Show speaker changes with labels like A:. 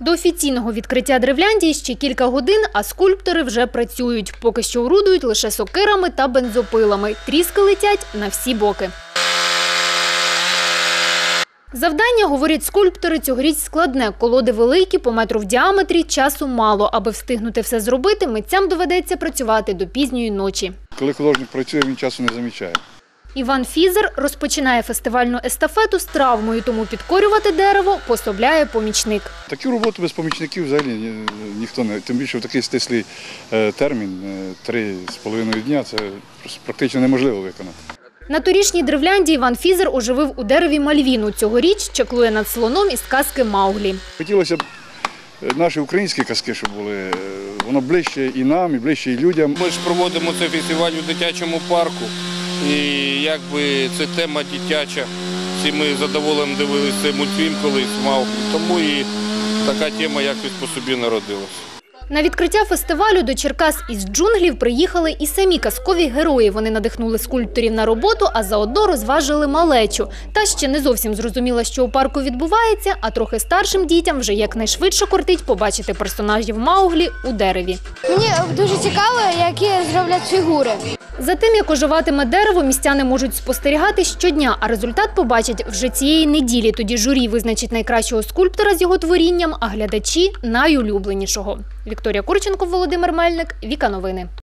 A: До офіційного відкриття Древляндії ще кілька годин, а скульптори вже працюють. Поки що орудують лише сокирами та бензопилами. Тріски летять на всі боки. Завдання, говорять скульптори, цьогоріч складне. Колоди великі, по метру в діаметрі, часу мало. Аби встигнути все зробити, митцям доведеться працювати до пізньої ночі.
B: Коли художник працює, він часу не замічає.
A: Іван Фізер розпочинає фестивальну естафету з травмою, тому підкорювати дерево пособляє помічник.
B: Таку роботу без помічників взагалі ніхто не, тим більше в такий стислий термін, 3,5 дня, це практично неможливо виконати.
A: На торішній Древлянді Іван Фізер оживив у дереві Мальвіну. Цьогоріч чаклує над слоном із казки «Мауглі».
B: Хотілося б наші українські казки, щоб були, воно ближче і нам, і ближче і людям.
C: Ми ж проводимо цей фестиваль у дитячому парку, і якби це тема дитяча. Всі ми задоволенням дивилися цей мультфільм колись «Мауглі», тому і така тема якось по собі народилася.
A: На відкриття фестивалю до Черкас із джунглів приїхали і самі казкові герої. Вони надихнули скульпторів на роботу, а заодно розважили малечу. Та ще не зовсім зрозуміла, що у парку відбувається, а трохи старшим дітям вже якнайшвидше кортить побачити персонажів Мауглі у дереві.
D: Мені дуже цікаво, які зроблять фігури.
A: За тим, як оживатиме дерево, містяни можуть спостерігати щодня, а результат побачать вже цієї неділі. Тоді журі визначить найкращого скульптора з його творінням, а глядачі – найулюбленішого. Вікторія Курченко, Володимир Мельник, Віка Новини.